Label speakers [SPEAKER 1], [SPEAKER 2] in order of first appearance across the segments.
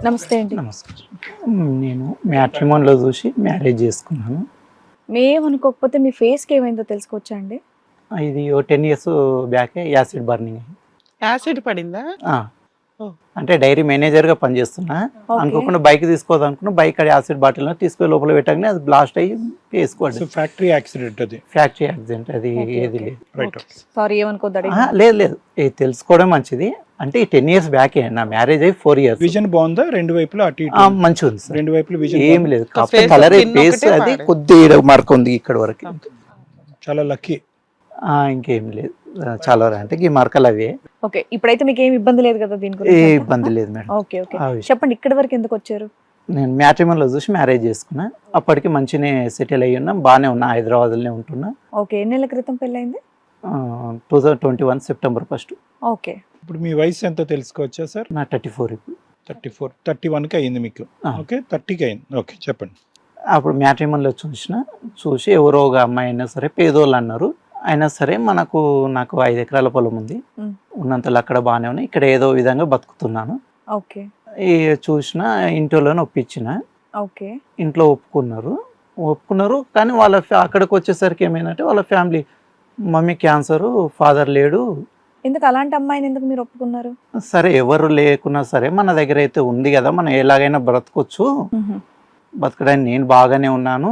[SPEAKER 1] నమస్తే అండి.
[SPEAKER 2] నమస్కారం. నేను మ్యాట్రిమోన్లో చూసి మ్యారేజ్ చేసుకున్నాను.
[SPEAKER 1] మేమనుకోకపోతే మీ ఫేస్కి ఏమైందో తెలుసుకోవచ్చా అండి?
[SPEAKER 2] ఇది ఓ 10 years బ్యాకే యాసిడ్ బర్నింగ్ అయింది.
[SPEAKER 3] యాసిడ్ పడిందా?
[SPEAKER 2] ఆ,
[SPEAKER 3] ఓ.
[SPEAKER 2] అంటే డైరీ మేనేజర్గా పనిచేస్తున్నా.
[SPEAKER 1] ఓకే.
[SPEAKER 2] అనుకోకుండా బైక్ తీసుకోవద్దు అనుకున్నా. బైక్ అది యాసిడ్ బాటిల్ తీసుకొని లోపల పెట్టగానే అది బ్లాస్ట్ అయ్యి వేసుకోండి.
[SPEAKER 4] ఫ్యాక్టరీ యాక్సిడెంట్ అది.
[SPEAKER 2] ఫ్యాక్టరీ యాక్సిడెంట్ అది
[SPEAKER 1] ఓకే,
[SPEAKER 2] ఏది
[SPEAKER 1] ఓకే.
[SPEAKER 2] లేదు.
[SPEAKER 4] రైట్.
[SPEAKER 1] సారీ ఏమనుకోద్దాడి.
[SPEAKER 2] లేదు లేదు, ఇది తెలుసుకోవడం మంచిది. అంటే ఈ 10 years బ్యాకే నా మ్యారేజ్ అయ్యి 4 years.
[SPEAKER 4] విజన్ బాగుందా? రెండు వైపులా అటు ఇటు
[SPEAKER 2] మంచిగా ఉంది సార్.
[SPEAKER 4] రెండు వైపులా విజన్
[SPEAKER 2] ఏం లేదు, కాకపోతే
[SPEAKER 3] face
[SPEAKER 2] కలర్
[SPEAKER 3] skin
[SPEAKER 2] ఫేస్
[SPEAKER 3] ఒకటే
[SPEAKER 2] అది
[SPEAKER 3] పాడే.
[SPEAKER 2] కొద్దిగా మార్క్ ఉంది ఇక్కడ వరకు.
[SPEAKER 4] చాలా లక్కీ.
[SPEAKER 2] ఇంకేం లేదు, చాలా అంటే ఈ మార్కలు అవే.
[SPEAKER 1] ఓకే, ఇప్పుడైతే మీకు ఏం ఇబ్బంది లేదు కదా దీని
[SPEAKER 2] ఏ
[SPEAKER 1] గురించి?
[SPEAKER 2] ఇబ్బంది లేదు మేడం.
[SPEAKER 1] ఓకే ఓకే,
[SPEAKER 2] ఆ విషయం.
[SPEAKER 1] చెప్పండి ఇక్కడి వరకు ఎందుకు వచ్చారు?
[SPEAKER 2] నేను మ్యాట్రిమోన్లో చూసి మ్యారేజ్ చేసుకున్నా. అప్పటికి మంచిగానే సెటిల్ అయ్యి ఉన్నా, బాగానే ఉన్నా, హైదరాబాద్లోనే ఉంటున్నా.
[SPEAKER 1] ఓకే, ఎన్ని నెలల క్రితం పెళ్ళైంది?
[SPEAKER 2] 2021 September 1.
[SPEAKER 1] ఓకే,
[SPEAKER 4] ఇప్పుడు మీ వయసు ఎంతో తెలుసుకోవచ్చా సార్?
[SPEAKER 2] నా 34 ఇప్పుడు.
[SPEAKER 4] 34, 31కి అయింది మీకు.
[SPEAKER 2] ఆ.
[SPEAKER 4] ఓకే, 30కి అయింది. ఓకే, చెప్పండి.
[SPEAKER 2] అప్పుడు మ్యాట్రిమోన్లో చూసి ఎవరో ఒక అమ్మాయి అయినా సరే, పేదోళ్ళు అన్నారు. అయినా సరే నాకు 5 ఎకరాల పొలం ఉంది.
[SPEAKER 1] మ్.
[SPEAKER 2] ఉన్నంతలో అక్కడ బాగానే ఉన్నాయి, ఇక్కడ ఏదో విధంగా బతుకుతున్నాను.
[SPEAKER 1] ఓకే
[SPEAKER 2] ఈ చూసిన ఇంట్లోనే ఒప్పించిన.
[SPEAKER 1] ఓకే,
[SPEAKER 2] ఇంట్లో ఒప్పుకున్నారు. కానీ వాళ్ళ అక్కడికి వచ్చేసరికి ఏమైందంటే వాళ్ళ ఫ్యామిలీ, మమ్మీ క్యాన్సరు, ఫాదర్ లేడు.
[SPEAKER 1] ఎందుకు అలాంటి అమ్మాయిని ఎందుకు మీరు ఒప్పుకున్నారు?
[SPEAKER 2] సరే ఎవరు లేకున్నా సరే మన దగ్గర అయితే ఉంది కదా, మనం ఎలాగైనా బ్రతకొచ్చు, బతకడానికి నేను బాగానే ఉన్నాను,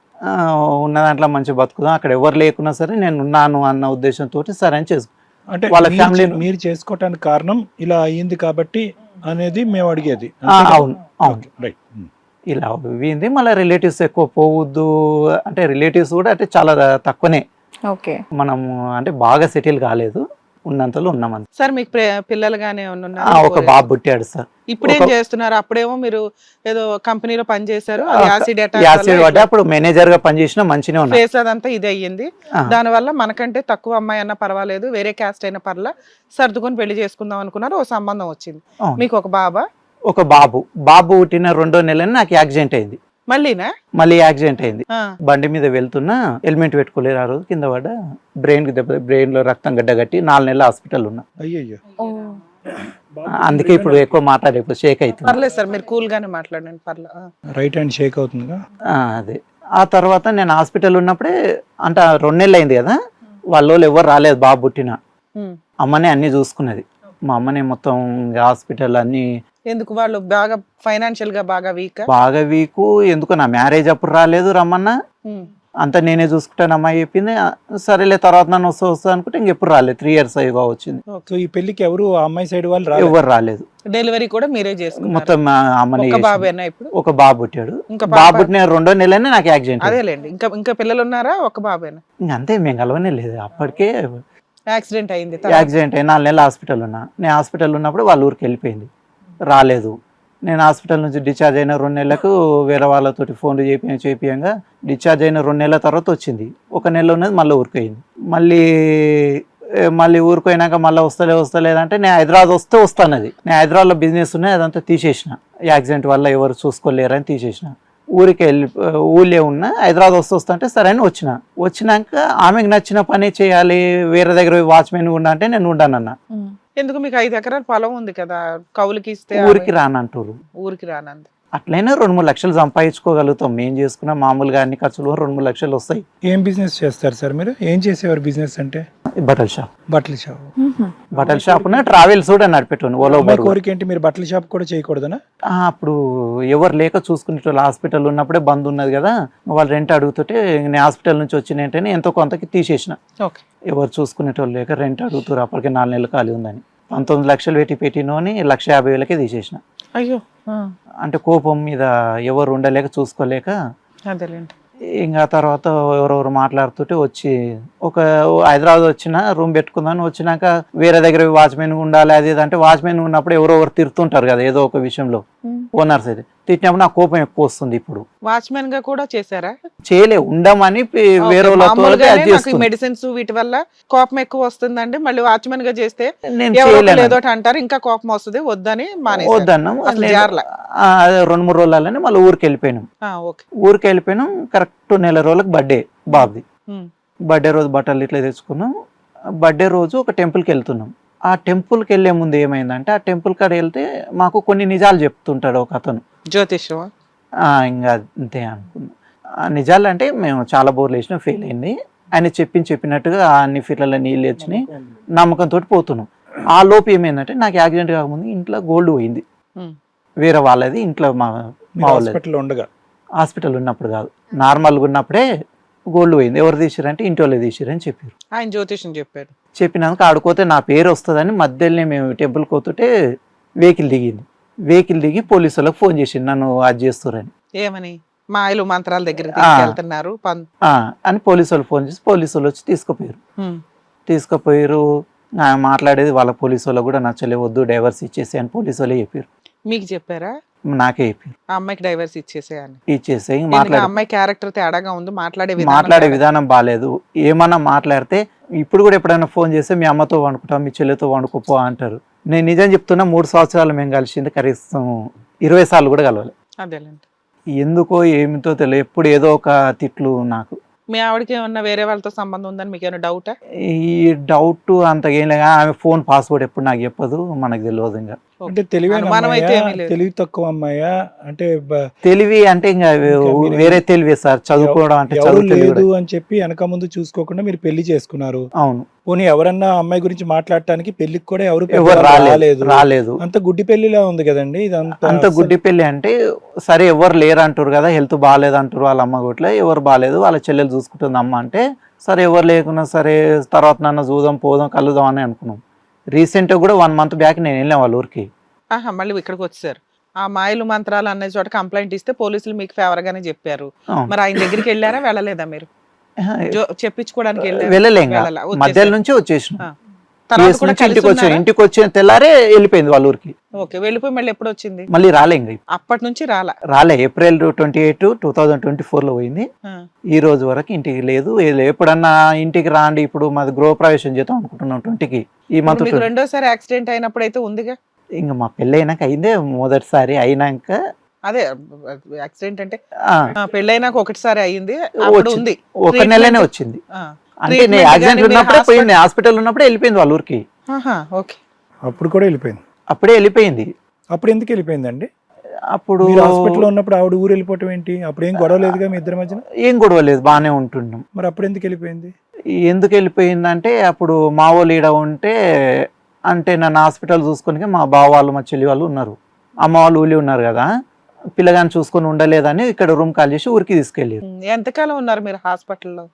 [SPEAKER 2] ఉన్న దాంట్లో మంచి బతుకుదాం, అక్కడ ఎవరు లేకున్నా సరే నేను ఉన్నాను అన్న ఉద్దేశంతో సరే అని చేసుకో.
[SPEAKER 4] అంటే
[SPEAKER 2] వాళ్ళ
[SPEAKER 4] మీరు-
[SPEAKER 2] ఫ్యామిలీ
[SPEAKER 4] మీరు చేసుకోవటానికి కారణం ఇలా అయ్యింది కాబట్టి అనేది మేము అడిగేది.
[SPEAKER 2] అవును అవును,
[SPEAKER 4] రైట్.
[SPEAKER 2] ఇలా అయింది. మళ్ళీ రిలేటివ్స్ ఎక్కువ పోవద్దు అంటే రిలేటివ్స్ కూడా అంటే చాలా తక్కువనే.
[SPEAKER 1] ఓకే,
[SPEAKER 2] మనము అంటే బాగా సెటిల్ కాలేదు, ఉన్నంతలో ఉన్నామంత.
[SPEAKER 3] సార్ మీకు పిల్లలు గానే ఉన్నారా?
[SPEAKER 2] ఒక బాబు పుట్టాడు సార్.
[SPEAKER 3] ఇప్పుడు ఏం
[SPEAKER 2] ఒక-
[SPEAKER 3] చేస్తున్నారు? అప్పుడేమో మీరు ఏదో కంపెనీలో పని చేశారు, యాసిడ్
[SPEAKER 2] యాసిడ్ పడ్డా అప్పుడు మేనేజర్ గా పనిచేసిన మంచిగా ఉన్నా.
[SPEAKER 3] ఫేస్ అదంతా ఇది అయ్యింది.
[SPEAKER 2] ఆ.
[SPEAKER 3] దానివల్ల మనకంటే తక్కువ అమ్మాయి అన్నా పర్వాలేదు, వేరే క్యాస్ట్ అయినా పర్లా, సర్దుకొని పెళ్లి చేసుకుందాం అనుకున్నారు. ఓ సంబంధం వచ్చింది.
[SPEAKER 2] అవును.
[SPEAKER 3] మీకు ఒక బాబా?
[SPEAKER 2] ఒక బాబు పుట్టిన 2వ నెలని నాకు యాక్సిడెంట్ అయింది.
[SPEAKER 3] మళ్ళీనా?
[SPEAKER 2] మళ్ళీ యాక్సిడెంట్ అయింది.
[SPEAKER 3] ఆ.
[SPEAKER 2] బండి మీద వెళ్తున్నా, హెల్మెట్ పెట్టుకోలేరు. ఆ రోజు కింద పడ్డ, బ్రెయిన్ లో రక్తం గడ్డగట్టి 4 నెలలు హాస్పిటల్ ఉన్నా.
[SPEAKER 4] అయ్యయ్యో.
[SPEAKER 1] ఓ
[SPEAKER 2] అందుకే ఇప్పుడు ఎక్కువ మాట్లాడే షేక్ అవుతుంది.
[SPEAKER 3] పర్లేదు సార్, మీరు కూల్ గానే మాట్లాడండి, పర్లా.
[SPEAKER 4] రైట్ హ్యాండ్ షేక్ అవుతుందిగా.
[SPEAKER 2] అదే ఆ తర్వాత నేను హాస్పిటల్ ఉన్నప్పుడే, అంటే 2 నెలలు అయింది కదా, వాళ్ళు ఎవరు రాలేదు. బాబు పుట్టిన
[SPEAKER 3] ఉమ్.
[SPEAKER 2] అమ్మనే అన్ని చూసుకున్నది. మా అమ్మనే మొత్తం హాస్పిటల్ అన్ని.
[SPEAKER 3] ఎందుకు వాళ్ళు బాగా ఫైనాన్షియల్ గా బాగా వీక్?
[SPEAKER 2] బాగా వీకు. ఎందుకు నా మ్యారేజ్ అప్పుడు రాలేదు, రమ్మన్నా అంతా నేనే చూసుకుంటాను అమ్మాయి చెప్పింది. సరేలే తర్వాత నన్ను వస్తా అనుకుంటే ఇంకెప్పుడు రాలేదు. 3 years అయ్యగా వచ్చింది.
[SPEAKER 4] సో ఈ పెళ్లికి ఎవరు ఆ అమ్మాయి సైడ్ వాళ్ళు రాలేదు?
[SPEAKER 2] ఎవరు రాలేదు.
[SPEAKER 3] డెలివరీ కూడా మీరే చేసుకున్నారు?
[SPEAKER 2] మొత్తం మా అమ్మనే
[SPEAKER 3] ఒక
[SPEAKER 2] చేసింది.
[SPEAKER 3] బాబేనా ఇప్పుడు?
[SPEAKER 2] ఒక బాబు పుట్టాడు.
[SPEAKER 3] ఇంకా
[SPEAKER 2] బాబు పుట్టిన 2వ నెలనే నాకు యాక్సిడెంట్.
[SPEAKER 3] అదేలేండి. ఇంకా పిల్లలు ఉన్నారా? ఒక బాబేనా?
[SPEAKER 2] అంతే, మేము కలవనే లేదు. అప్పటికే
[SPEAKER 3] యాక్సిడెంట్ అయింది.
[SPEAKER 2] యాక్సిడెంట్ అయ్యి 4 నెలలు హాస్పిటల్ ఉన్నా. నేను హాస్పిటల్ ఉన్నప్పుడు వాళ్ళ ఊరికి వెళ్ళిపోయింది, రాలేదు. నేను హాస్పిటల్ నుంచి డిశ్చార్జ్ అయిన 2 నెలలకు వేరే వాళ్ళతోటి ఫోన్లు చేపియంగా డిశ్చార్జ్ అయిన 2 నెలల తర్వాత వచ్చింది. 1 నెల ఉన్నది మళ్ళీ ఊరిపోయింది. మళ్ళీ ఊరిపోయినాక మళ్ళీ వస్తలేదంటే నేను హైదరాబాద్ వస్తానది. నేను హైదరాబాద్లో బిజినెస్ ఉన్నాయి, అదంతా తీసేసిన. యాక్సిడెంట్ వల్ల ఎవరు చూసుకోలేరని తీసేసిన. ఊళ్ళే ఉన్నా. హైదరాబాద్ వస్తుంటే సరే అని వచ్చినాక ఆమెకు నచ్చిన పని చేయాలి, వేరే దగ్గర వాచ్మెన్ ఉండా అంటే నేను ఉండానన్నా.
[SPEAKER 3] ఎందుకు? మీకు 5 ఎకరాల పొలం ఉంది కదా, కౌలుకి ఇస్తే
[SPEAKER 2] ఊరికి రానంటారు.
[SPEAKER 3] ఊరికి రానంది.
[SPEAKER 2] అట్లయినా 2-3 లక్షలు సంపాదించుకోగలుగుతాం. మేము చేసుకున్న మామూలుగా అన్ని ఖర్చులు 2-3 లక్షలు వస్తాయి.
[SPEAKER 4] ఏం బిజినెస్ చేస్తారు సార్ మీరు? ఏం చేసేవారు బిజినెస్ అంటే?
[SPEAKER 2] బట్టల షాప్.
[SPEAKER 4] బట్టల షాప్.
[SPEAKER 2] ట్రావెల్స్ కూడా నడిపెట్టాను. ఓలో బరువు.
[SPEAKER 4] కోరిక ఏంటి, మీరు బట్టల షాప్ కూడా చేయకూడదనా?
[SPEAKER 2] అప్పుడు ఎవరు లేక చూసుకునేటోళ్ళు. హాస్పిటల్ ఉన్నప్పుడే బంద్ ఉన్నది కదా, వాళ్ళు రెంట్ అడుగుతుంటే నేను హాస్పిటల్ నుంచి వచ్చిన వెంటనే ఎంతో కొంతకి తీసేసిన.
[SPEAKER 3] ఓకే.
[SPEAKER 2] ఎవరు చూసుకునేటోళ్ళు లేక రెంట్ అడుగుతారు. అప్పటికే 4 నెలలు ఖాళీ ఉందని 19 లక్షలు పెట్టినోని 1,50,000కే తీసేసిన.
[SPEAKER 3] అయ్యో.
[SPEAKER 2] అంటే కోపం మీద ఎవరు ఉండలేక చూసుకోలేక.
[SPEAKER 3] అదేలేండి.
[SPEAKER 2] ఇంకా తర్వాత ఎవరెవరు మాట్లాడుతుంటే వచ్చి హైదరాబాద్ వచ్చిన రూమ్ పెట్టుకుందాని వచ్చినాక వేరే దగ్గర వాచ్మెన్ ఉండాలి అది అంటే వాచ్మెన్ ఉన్నప్పుడు ఎవరెవరు తిరుతుంటారు కదా ఏదో ఒక విషయంలో, ఓనర్స్ అయితే తిట్టినప్పుడు నాకు కోపం ఎక్కువ వస్తుంది. ఇప్పుడు
[SPEAKER 3] వాచ్మెన్ గా కూడా చేశారా?
[SPEAKER 2] ఉండమని వేరే
[SPEAKER 3] మెడిసిన్స్ వీటి వల్ల కోపం ఎక్కువ వస్తుందండి. మళ్ళీ వాచ్మెన్ గా చేస్తే
[SPEAKER 2] నేను
[SPEAKER 3] ఏదో అంటారు, ఇంకా కోపం వస్తుంది, వద్దని
[SPEAKER 2] వద్దన్నాం.
[SPEAKER 3] అసలు జారలా.
[SPEAKER 2] 2-3 రోజులనే మళ్ళీ ఊరికి వెళ్ళిపోయినాం. ఊరికి వెళ్ళిపోయినాం. కరెక్ట్ 1 నెల రోజులకు బర్త్డే బాబుది. బర్త్డే రోజు బట్టలు ఇట్లా తెచ్చుకున్నాం. బర్త్డే రోజు ఒక టెంపుల్కి వెళ్తున్నాం. ఆ టెంపుల్కి వెళ్ళే ముందు ఏమైందంటే ఆ టెంపుల్ కాడ వెళ్తే మాకు కొన్ని నిజాలు చెప్తుంటాడు ఒక అతను.
[SPEAKER 3] జ్యోతిష్యమా?
[SPEAKER 2] ఇంకా అంతే అనుకున్నాం. ఆ నిజాలు అంటే మేము చాలా బోర్లు వేసినాం, ఫెయిల్ అయింది. ఆయన చెప్పినట్టుగా అన్ని ఫీట్లలో నీళ్ళు వచ్చినాయి, నమ్మకంతో పోతున్నాం. ఆ లోపు ఏమైందంటే నాకు యాక్సిడెంట్ కాకముందు ఇంట్లో గోల్డ్ పోయింది, వేరే వాళ్ళది ఇంట్లో మా వాళ్ళది.
[SPEAKER 4] హాస్పిటల్ ఉండగా?
[SPEAKER 2] హాస్పిటల్ ఉన్నప్పుడు కాదు, నార్మల్గా ఉన్నప్పుడే గోల్డ్ పోయింది. ఎవరు తీసిరంటే ఇంటి వాళ్ళు తీసిరని చెప్పారు.
[SPEAKER 3] ఆయన జ్యోతిష్యం చెప్పారు.
[SPEAKER 2] చెప్పినాక ఆడుకోతే నా పేరు వస్తుందని మధ్యలోనే మేము టెంపుల్కి పోతుంటే వెహికల్ దిగి పోలీసు వాళ్ళకి ఫోన్ చేసిండు నన్ను అది చేస్తారని.
[SPEAKER 3] ఏమని? మాయలు మంత్రాల దగ్గర వెళ్తున్నారు
[SPEAKER 2] అని పోలీసు వాళ్ళు ఫోన్ చేసి పోలీసు వాళ్ళు వచ్చి తీసుకుపోయారు. మాట్లాడేది వాళ్ళ పోలీసు వాళ్ళు కూడా నచ్చలే, వద్దు డైవర్స్ ఇచ్చేసి అని పోలీసు వాళ్ళే చెప్పారు.
[SPEAKER 3] మీకు చెప్పారా?
[SPEAKER 2] నాకే చెప్పారు
[SPEAKER 3] ఆ అమ్మాయికి డైవర్స్ ఇచ్చేసేయని.
[SPEAKER 2] ఇచ్చేసే
[SPEAKER 3] అమ్మాయి క్యారెక్టర్ తేడాగా ఉంది,
[SPEAKER 2] మాట్లాడే విధానం బాగాలేదు. ఏమన్నా మాట్లాడితే ఇప్పుడు కూడా ఎప్పుడైనా ఫోన్ చేస్తే మీ అమ్మతో వండుకుంటాం, మీ చెల్లితో వండుకోపో అంటారు. నేను నిజం చెప్తున్నా, 3 సంవత్సరాలు మేము కలిసింది కనీసం 20 సార్లు కూడా కలవాలి.
[SPEAKER 3] అదేలేండి.
[SPEAKER 2] ఎందుకో ఏమిటో తెలియదు, ఎప్పుడు ఏదో ఒక తిట్లు. నాకు
[SPEAKER 3] మీ ఆవిడకి ఏమన్నా వేరే వాళ్ళతో సంబంధం ఉందని మీకు ఏమైనా డౌటా?
[SPEAKER 2] ఈ డౌట్ అంతగా ఏం లేదు. ఆమె ఫోన్ పాస్వర్డ్ ఎప్పుడు నాకు చెప్పదు, మనకు తెలియదు. ఇంకా
[SPEAKER 4] అంటే తెలివి తక్కువ అమ్మాయా? అంటే
[SPEAKER 2] తెలివి అంటే ఇంకా వేరే తెలివే సార్, చదువుకోవడం అంటే
[SPEAKER 4] లేదు అని చెప్పి వెనక ముందు చూసుకోకుండా మీరు పెళ్లి చేసుకున్నారు.
[SPEAKER 2] అవును.
[SPEAKER 4] పోనీ ఎవరన్నా అమ్మాయి గురించి మాట్లాడటానికి పెళ్లికి కూడా ఎవరు
[SPEAKER 2] రాలేదు.
[SPEAKER 4] అంత గుడ్డి పెళ్లిలా ఉంది కదండి ఇదంతా.
[SPEAKER 2] అంత గుడ్డి పెళ్లి అంటే సరే ఎవరు లేరు అంటారు కదా, హెల్త్ బాగాలేదు అంటారు వాళ్ళ అమ్మ గుట్ల, ఎవరు బాగాలేదు వాళ్ళ చెల్లెలు చూసుకుంటుంది అమ్మ అంటే, సరే ఎవరు లేకున్నా సరే తర్వాత నన్ను చూద్దాం పోదాం కలుద్దాం అని అనుకున్నాం. రీసెంట్గా కూడా 1 month బ్యాక్ నేను వెళ్ళాను వాళ్ళ ఊరికి.
[SPEAKER 3] మళ్ళీ ఇక్కడికి వచ్చారు. ఆ మాయలు మంత్రాలు అనే చోట కంప్లైంట్ ఇస్తే పోలీసులు మీకు ఫేవర్ గానే చెప్పారు. మరి ఆయన దగ్గరికి వెళ్ళారా, వెళ్ళలేదా? మీరు చెప్పించుకోవడానికి
[SPEAKER 2] వెళ్ళలేం, మధ్యలో నుంచి వచ్చేసిన. ఇంటికి వచ్చిన తెల్లారే వెళ్ళిపోయింది వాళ్ళ ఊరికి.
[SPEAKER 3] ఓకే, వెళ్ళిపోయి మళ్ళీ ఎప్పుడు వచ్చింది?
[SPEAKER 2] మళ్ళీ రాలే, ఇంకా
[SPEAKER 3] అప్పటి నుంచి
[SPEAKER 2] రాలే. April 28, 2024 లో పోయింది. ఈ రోజు వరకు ఇంటికి లేదు. ఎప్పుడన్నా ఇంటికి రాండి, ఇప్పుడు మాది గృహప్రవేశం చేద్దాం అనుకుంటున్నాం 20కి. ఈ మంత్
[SPEAKER 3] రెండోసారి యాక్సిడెంట్ అయినప్పుడు అయితే ఉందిగా.
[SPEAKER 2] ఇంకా మా పెళ్ళి అయినాక అయిందే, మొదటిసారి అయినాక.
[SPEAKER 3] అదే యాక్సిడెంట్ అంటే పెళ్ళైనాక ఒకటిసారి అయింది, ఉంది
[SPEAKER 2] 1 నెలనే వచ్చింది. అంటే నేను యాక్సిడెంట్ ఉన్నప్పుడే పోయింది, హాస్పిటల్ ఉన్నప్పుడే వెళ్ళిపోయింది వాళ్ళ ఊరికి.
[SPEAKER 4] అప్పుడు కూడా వెళ్ళిపోయింది?
[SPEAKER 2] అప్పుడే వెళ్ళిపోయింది.
[SPEAKER 4] అప్పుడు ఎందుకు వెళ్ళిపోయిందండి?
[SPEAKER 2] అప్పుడు
[SPEAKER 4] హాస్పిటల్ ఉన్నప్పుడు ఆవిడ ఊరు వెళ్ళిపోవటం ఏంటి? అప్పుడు ఏం గొడవ లేదుగా మీ ఇద్దరి మధ్యన?
[SPEAKER 2] ఏం గొడవ లేదు, బాగానే ఉంటున్నాం.
[SPEAKER 4] మరి అప్పుడు ఎందుకు వెళ్ళిపోయింది?
[SPEAKER 2] ఎందుకు వెళ్ళిపోయిందంటే అప్పుడు మా వాళ్ళు ఈడ ఉంటే, అంటే నన్ను హాస్పిటల్ చూసుకొని మా బావ వాళ్ళు మా చెల్లి వాళ్ళు ఉన్నారు, అమ్మ వాళ్ళు ఊళ్ళో ఉన్నారు కదా, పిల్లగాని చూసుకొని ఉండలేదని ఇక్కడ రూమ్ కాల్ చేసి ఊరికి తీసుకెళ్ళారు.
[SPEAKER 3] ఎంతకాలం ఉన్నారు మీరు హాస్పిటల్లో?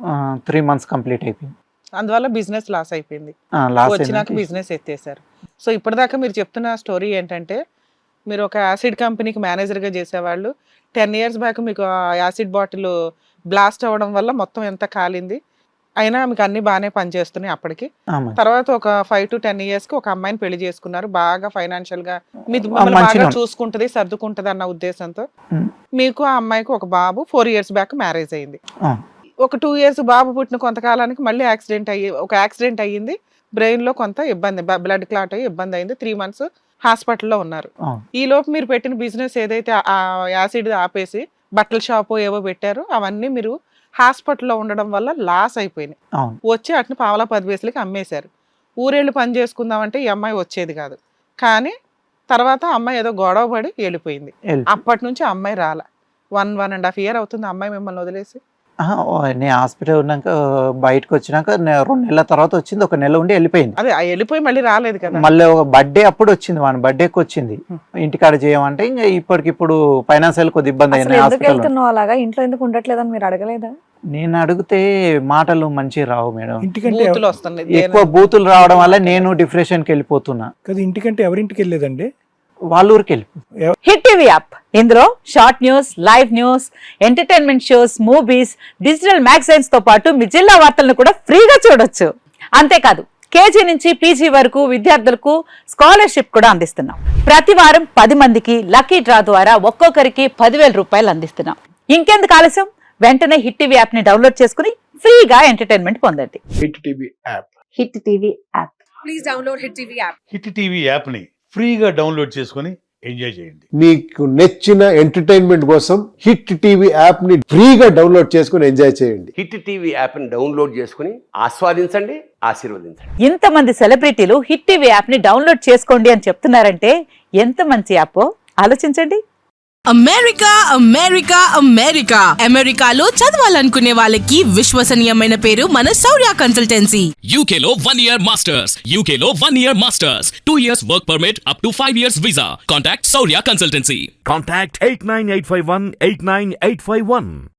[SPEAKER 2] 3 months కంప్లీట్ అయిపోయింది.
[SPEAKER 3] అందువల్ల బిజినెస్ లాస్ అయిపోయింది. వచ్చినాక బిజినెస్ ఎత్తేసారు. సో ఇప్పటిదాకా మీరు చెప్తున్న స్టోరీ ఏంటంటే, మీరు ఒక యాసిడ్ కంపెనీకి మేనేజర్గా చేసేవాళ్ళు, 10 years బ్యాక్ మీకు యాసిడ్ బాటిల్ బ్లాస్ట్ అవ్వడం వల్ల మొత్తం ఎంత కాలింది, అయినా మీకు అన్ని బాగానే పనిచేస్తున్నాయి అప్పటికి. తర్వాత ఒక 5 to 10 years కి ఒక అమ్మాయిని పెళ్లి చేసుకున్నారు, బాగా ఫైనాన్షియల్ గా బాగా చూసుకుంటది, సర్దుకుంటది అన్న ఉద్దేశంతో. మీకు ఆ అమ్మాయికి ఒక బాబు 4 years బ్యాక్ మ్యారేజ్ అయింది. ఒక 2 years బాబు పుట్టిన కొంతకాలానికి మళ్ళీ యాక్సిడెంట్ అయ్యింది, బ్రెయిన్ లో కొంత ఇబ్బంది, బ్లడ్ క్లాట్ అయ్యి ఇబ్బంది అయింది. 3 months హాస్పిటల్లో ఉన్నారు. ఈ లోపు మీరు పెట్టిన బిజినెస్ ఏదైతే ఆ యాసిడ్ ఆపేసి బట్టల షాపు ఏవో పెట్టారు, అవన్నీ మీరు హాస్పిటల్లో ఉండడం వల్ల లాస్ అయిపోయినాయి. వచ్చి అట్ని 10 పైసలకి అమ్మేశారు. ఊరేళ్ళు పని చేసుకుందామంటే ఈ అమ్మాయి వచ్చేది కాదు. కానీ తర్వాత అమ్మాయి ఏదో గొడవ పడి వెళ్ళిపోయింది. అప్పటి నుంచి అమ్మాయి రాల. 1.5 year అవుతుంది అమ్మాయి మిమ్మల్ని వదిలేసి.
[SPEAKER 2] నేను హాస్పిటల్ ఉన్నాక బయటకు వచ్చినాక 2 నెలల తర్వాత వచ్చింది, 1 నెల ఉండి వెళ్ళిపోయింది.
[SPEAKER 3] అదే వెళ్ళిపోయి మళ్ళీ రాలేదు కదా.
[SPEAKER 2] మళ్ళీ ఒక బర్త్డే అప్పుడు వచ్చింది, వాని బర్త్డేకి వచ్చింది. ఇంటికాడ చేయమంటే ఇంకా ఇప్పటికిప్పుడు ఫైనాన్షియల్ కొద్ది ఇబ్బంది అయింది.
[SPEAKER 1] అలాగా ఇంట్లో ఎందుకు ఉండట్లేదని మీరు అడగలేదా?
[SPEAKER 2] నేను అడిగితే మాటలు మంచి రావు మేడం,
[SPEAKER 3] ఎక్కువ
[SPEAKER 2] బూతులు రావడం వల్ల నేను డిప్రెషన్కి వెళ్ళిపోతున్నా.
[SPEAKER 4] ఇంటికంటే ఎవరింటికి వెళ్ళలేదండి?
[SPEAKER 2] వాళ్ళ ఊరికి వెళ్ళి.
[SPEAKER 5] హిట్ టీవీ యాప్, ఇందులో short news, live news, entertainment shows, movies, digital magazines తో పాటు మీ జిల్లా వార్తలను కూడా ఫ్రీగా చూడొచ్చు. అంతేకాదు కేజీ నుంచి పీజీ వరకు విద్యార్థులకు స్కాలర్షిప్ కూడా అందిస్తున్నాం. ప్రతి వారం 10 మందికి లక్కీ డ్రా ద్వారా ఒక్కొక్కరికి 10,000 రూపాయలు అందిస్తున్నాం. ఇంకెందుకు ఆలస్యం, వెంటనే హిట్ టీవీ యాప్ ని డౌన్లోడ్ చేసుకుని ఫ్రీగా ఎంటర్టైన్మెంట్ పొందండి.
[SPEAKER 4] Hit TV app.
[SPEAKER 5] Hit TV app.
[SPEAKER 6] Please download Hit TV app. Hit TV app ని ఫ్రీగా డౌన్లోడ్ చేసుకుని ఎంజాయ్ చేయండి.
[SPEAKER 7] మీకు నచ్చిన ఎంటర్టైన్మెంట్ కోసం హిట్ టీవీ యాప్ ని ఫ్రీగా డౌన్లోడ్ చేసుకుని ఎంజాయ్ చేయండి.
[SPEAKER 8] హిట్ టీవీ యాప్ని డౌన్లోడ్ చేసుకుని ఆస్వాదించండి, ఆశీర్వదించండి.
[SPEAKER 5] ఇంతమంది సెలబ్రిటీలు హిట్ టీవీ యాప్ ని డౌన్లోడ్ చేసుకోండి అని చెప్తున్నారంటే ఎంత మంచి యాప్ ఆలోచించండి.
[SPEAKER 9] అమెరికా అమెరికా అమెరికా అమెరికాలో చదవాలనుకునే వాళ్ళకి విశ్వసనీయమైన పేరు మన శౌర్య కన్సల్టెన్సీ.
[SPEAKER 10] UK లో 1 year masters, UK లో 1 year masters, 2 years work permit up to 5 years visa. Contact Saurya Consultancy.
[SPEAKER 6] Contact 89851 89851.